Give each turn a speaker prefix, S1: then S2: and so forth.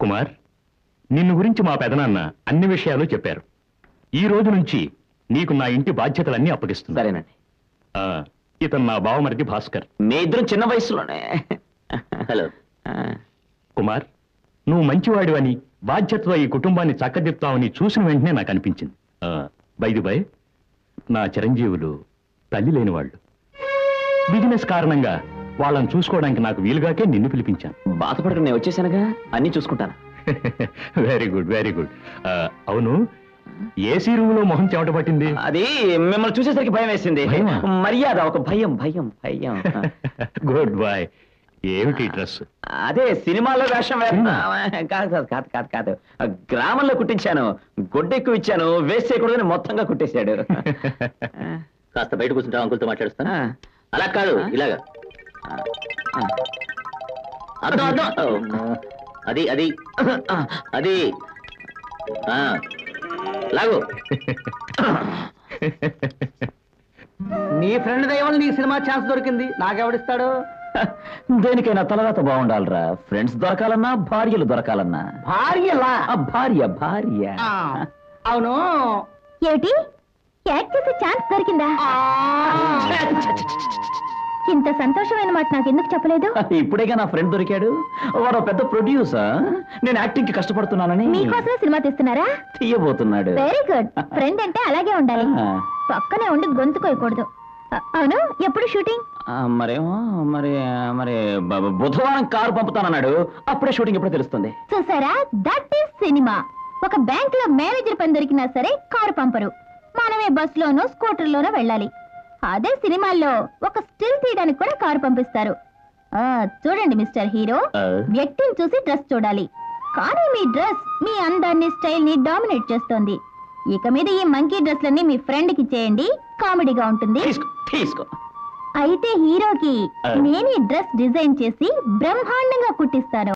S1: కుమార్, నిన్ను గురించి మా పెదనాన్న అన్ని విషయాలు చెప్పారు. ఈ రోజు నుంచి నీకు నా ఇంటి బాధ్యతలన్నీ అప్పగిస్తుంది.
S2: సరేనండి.
S1: ఇతను నా బావమరిది భాస్కర్.
S2: మీ ఇద్దరం చిన్న వయసులోనే.
S3: హలో
S1: కుమార్, నువ్వు మంచివాడివని బాధ్యతతో ఈ కుటుంబాన్ని చక్కదిప్తావని చూసిన వెంటనే నాకు అనిపించింది. బై నా చిరంజీవులు తల్లి లేని వాళ్ళు. బిజినెస్ కారణంగా వాళ్ళని చూసుకోవడానికి నాకు వీలుగాకే నిన్ను పిలిపించాను.
S2: బాధపడక నేను వచ్చేసానుగా, అన్ని చూసుకుంటాను.
S1: Very good, very good. అవును, ఏసీ రూమ్ లో మొహం చెమట పట్టింది?
S2: అది మిమ్మల్ని చూసేసరికి భయం వేసింది.
S1: భయమా?
S2: మర్యాద, ఒక భయం భయం భయం.
S1: Good boy. ఏమిటి డ్రెస్?
S2: అదే సినిమాలో వేషం వేస్తున్నా. కాదు కాదు కాదు కాదు కాదు, గ్రామంలో కుట్టించాను. గొడ్డు ఎక్కువ ఇచ్చాను, వేస్ట్ చేయకూడదని మొత్తంగా కుట్టేశాడు.
S3: కాస్త బయట కూర్చుంటా, అంకుల్తో మాట్లాడుస్తాను. అలా కాదు, ఇలాగా. అర్థం అర్థం. అది అది అది లాగు.
S4: నీ ఫ్రెండ్ దయవల్ల నీకు సినిమా ఛాన్స్ దొరికింది, నాకెవడిస్తాడు?
S2: దేనికైనా తలరాత బాగుండాలరా. ఫ్రెండ్స్ దొరకాలన్నా, భార్యలు దొరకాలన్నా.
S4: భార్యలా?
S2: భార్య భార్య.
S4: అవును,
S5: ఏమిటి యాక్ట్ చేసే ఛాన్స్ దొరికిందా? ఇంత సంతోషమైన మాట నాకు ఎందుకు చెప్పలేదు?
S2: ఇప్పుడేగా నా ఫ్రెండ్ దొరికాడు. వాడు పెద్ద ప్రొడ్యూసర్. నేను యాక్టింగ్ కి కష్టపడుతున్నానని
S5: మీకోసమే సినిమా తీస్తున్నారా?
S2: తీయబోతున్నాడు.
S5: Very good. ఫ్రెండ్ అంటే అలాగే ఉండాలి, పక్కనే ఉండి గొంతు కోయకూడదు. అవును, ఎప్పుడు షూటింగ్?
S2: మరేమో మరి మరి బుధవారం కారు పంపుతానన్నాడు. అప్పుడే షూటింగ్ ఎప్పుడో తెలుస్తుంది.
S5: చూసారా, దట్ ఈస్ సినిమా. ఒక బ్యాంక్ లో మేనేజర్ పని దొరికినా సరే కారు పంపరు, మనమే బస్ లోనో స్కూటర్ లోనో వెళ్ళాలి. అదే సినిమాల్లో ఒక స్టిల్ తీయడానికి కూడా కారు పంపిస్తారు. చూడండి మిస్టర్ హీరో, వ్యక్తిని చూసి డ్రెస్ చూడాలి, కానీ మీ డ్రెస్ మీ అందాన్ని, స్టైల్ ని డామినేట్ చేస్తోంది. ఇక మీద ఈ మంకీ డ్రెస్లన్నీ మీ ఫ్రెండ్ కి చేయండి, కామెడీగా ఉంటుంది.
S2: తీసుకో.
S5: అయితే హీరోకి నేను ఈ డ్రెస్ డిజైన్ చేసి బ్రహ్మాండంగా కుట్టిస్తాను.